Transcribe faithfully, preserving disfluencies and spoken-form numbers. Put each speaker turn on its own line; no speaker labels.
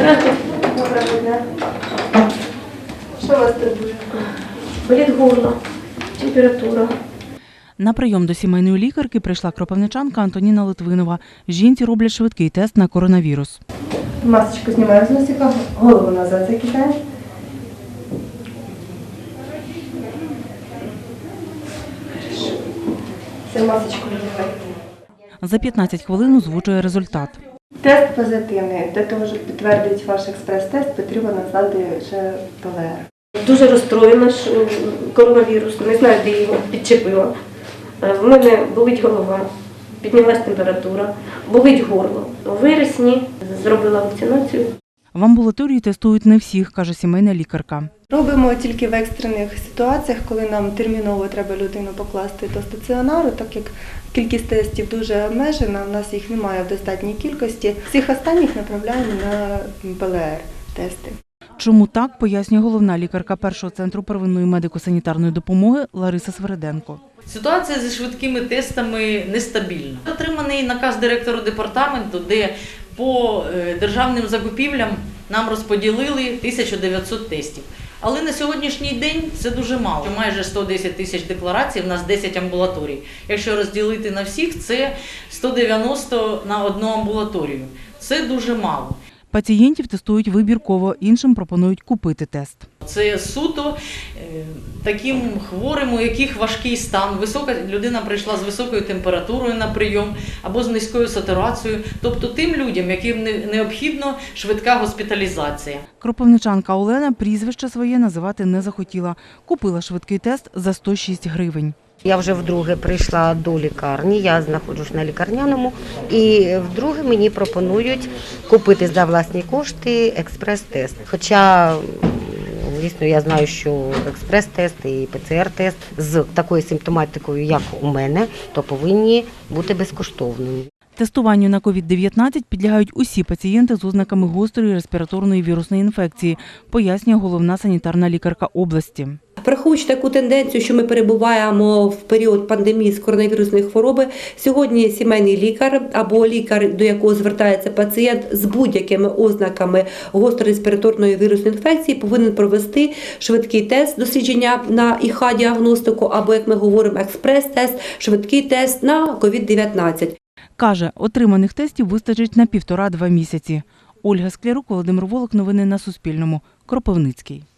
Здравствуйте.
Доброго дня. Що вас турбує?
Болить горло, температура.
На прийом до сімейної лікарки прийшла кропивничанка Антоніна Литвинова. Жінці роблять швидкий тест на коронавірус.
Масочку знімаю з носика, голову назад закидаємо. Все, масочку надягайте.
За п'ятнадцять хвилин озвучує результат.
Тест позитивний. Для того, щоб підтвердити ваш експрес-тест, потрібно надати ще ПЛР.
Дуже розстроєна що коронавірус, не знаю, де його підчепила. В мене болить голова, піднялась температура, болить горло. У вересні зробила вакцинацію.
В амбулаторії тестують не всіх, каже сімейна лікарка.
Робимо тільки в екстрених ситуаціях, коли нам терміново треба людину покласти до стаціонару, так як кількість тестів дуже обмежена, у нас їх немає в достатній кількості. Всіх останніх направляємо на ПЛР-тести.
Чому так, пояснює головна лікарка першого центру первинної медико-санітарної допомоги Лариса Свереденко.
Ситуація зі швидкими тестами нестабільна. Отриманий наказ директора департаменту, де по державним закупівлям нам розподілили тисячу дев'ятсот тестів. Але на сьогоднішній день це дуже мало. Майже сто десять тисяч декларацій, в нас десять амбулаторій. Якщо розділити на всіх, це сто дев'яносто на одну амбулаторію. Це дуже мало.
Пацієнтів тестують вибірково, іншим пропонують купити тест.
Це суто е, таким хворим, у яких важкий стан. Висока людина прийшла з високою температурою на прийом або з низькою сатурацією. Тобто тим людям, яким не, необхідна швидка госпіталізація.
Кропивничанка Олена прізвище своє називати не захотіла. Купила швидкий тест за сто шість гривень.
Я вже вдруге прийшла до лікарні, я знаходжусь на лікарняному, і вдруге мені пропонують купити за власні кошти експрес-тест. Хоча, звісно, я знаю, що експрес-тест і ПЦР-тест з такою симптоматикою, як у мене, то повинні бути безкоштовними.
Тестуванню на ковід дев'ятнадцять підлягають усі пацієнти з ознаками гострої респіраторної вірусної інфекції, пояснює головна санітарна лікарка області.
Враховуючи таку тенденцію, що ми перебуваємо в період пандемії з коронавірусної хвороби, сьогодні сімейний лікар або лікар, до якого звертається пацієнт з будь-якими ознаками гострореспіраторної вірусної інфекції, повинен провести швидкий тест дослідження на ІХ діагностику або, як ми говоримо, експрес-тест, швидкий тест на ковід дев'ятнадцять.
Каже, отриманих тестів вистачить на півтора-два місяці. Ольга Склярук, Володимир Волок. Новини на Суспільному. Кропивницький.